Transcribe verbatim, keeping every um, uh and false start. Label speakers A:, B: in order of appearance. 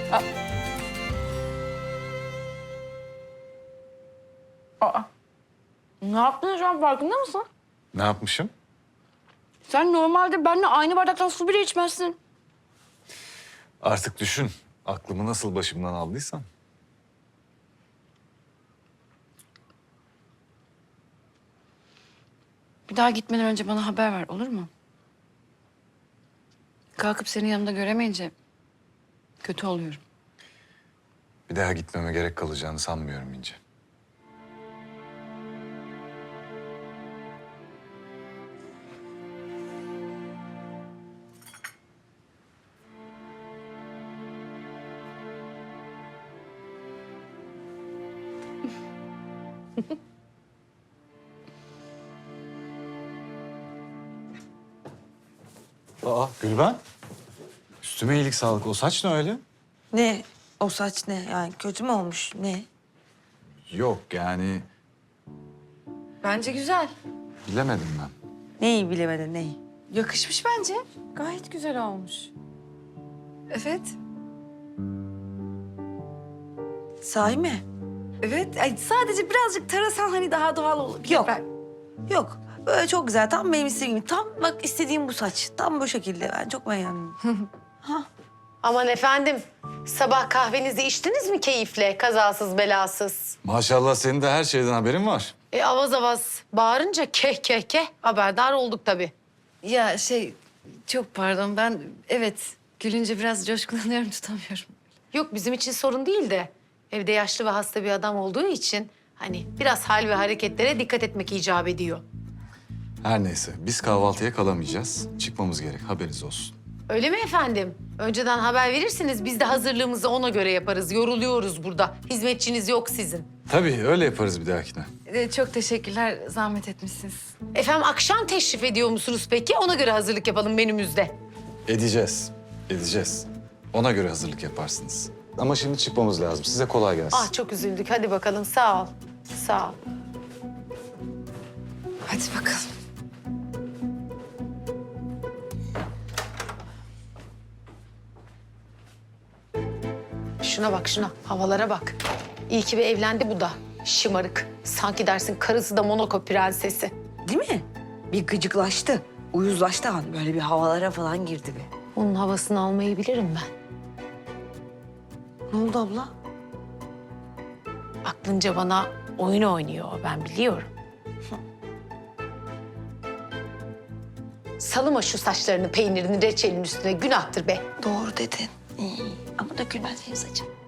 A: Aa. Aa. Ne yaptın şu an farkında mısın?
B: Ne yapmışım?
A: Sen normalde benimle aynı bardaktan su bile içmezsin.
B: Artık düşün. Aklımı nasıl başımdan aldıysan.
A: Bir daha gitmeden önce bana haber ver, olur mu? Kalkıp seni yanımda göremeyince kötü oluyorum.
B: Bir daha gitmeme gerek kalacağını sanmıyorum İnce. Aa Gülben. Üstüme iyilik sağlık. O saç ne öyle?
C: Ne? O saç ne? Yani kötü mü olmuş? Ne?
B: Yok yani
A: Bence güzel.
B: bilemedim ben.
C: Neyi bilemedin neyi?
A: Yakışmış bence. Gayet güzel olmuş. Evet.
C: Sahi mi?
A: Evet. Ay, sadece birazcık tarasan hani daha doğal olur.
C: Yok. Yok. Böyle çok güzel. Tam benim istediğim gibi. Tam bak istediğim bu saç. Tam bu şekilde. Ben çok beğendim.
D: Aman efendim, sabah kahvenizi içtiniz mi keyifle, kazasız belasız?
B: Maşallah senin de her şeyden haberin var.
D: E avaz avaz bağırınca keh keh keh haberdar olduk tabii.
A: Ya şey, çok pardon ben evet gülünce biraz coşkulanıyorum, tutamıyorum.
D: Yok bizim için sorun değil de evde yaşlı ve hasta bir adam olduğu için hani biraz hal ve hareketlere dikkat etmek icap ediyor.
B: Her neyse biz kahvaltıya kalamayacağız. Çıkmamız gerek haberiniz olsun.
D: Öyle mi efendim? Önceden haber verirsiniz biz de hazırlığımızı ona göre yaparız. Yoruluyoruz burada. Hizmetçiniz yok sizin.
B: Tabii öyle yaparız bir dahakine.
A: Ee, çok teşekkürler, zahmet etmişsiniz.
D: Efendim akşam teşrif ediyor musunuz peki? Ona göre hazırlık yapalım menümüzde.
B: Edeceğiz. Edeceğiz. Ona göre hazırlık yaparsınız. Ama şimdi çıkmamız lazım. Size kolay gelsin.
D: Ah çok üzüldük. Hadi bakalım sağ ol. Sağ ol.
A: Hadi bakalım.
D: Şuna bak şuna, havalara bak. İyi ki bir evlendi bu da. Şımarık. Sanki dersin karısı da Monaco prensesi.
C: Değil mi? Bir gıcıklaştı. Uyuzlaştı hani. Böyle bir havalara falan girdi bir.
D: Onun havasını almayı bilirim ben.
C: Ne oldu abla?
D: Aklınca bana oyun oynuyor, ben biliyorum. Salıma şu saçlarını, peynirini, reçelin üstüne. Günahtır be.
C: Doğru dedin. İyi. Ama dökülmez benim saçım.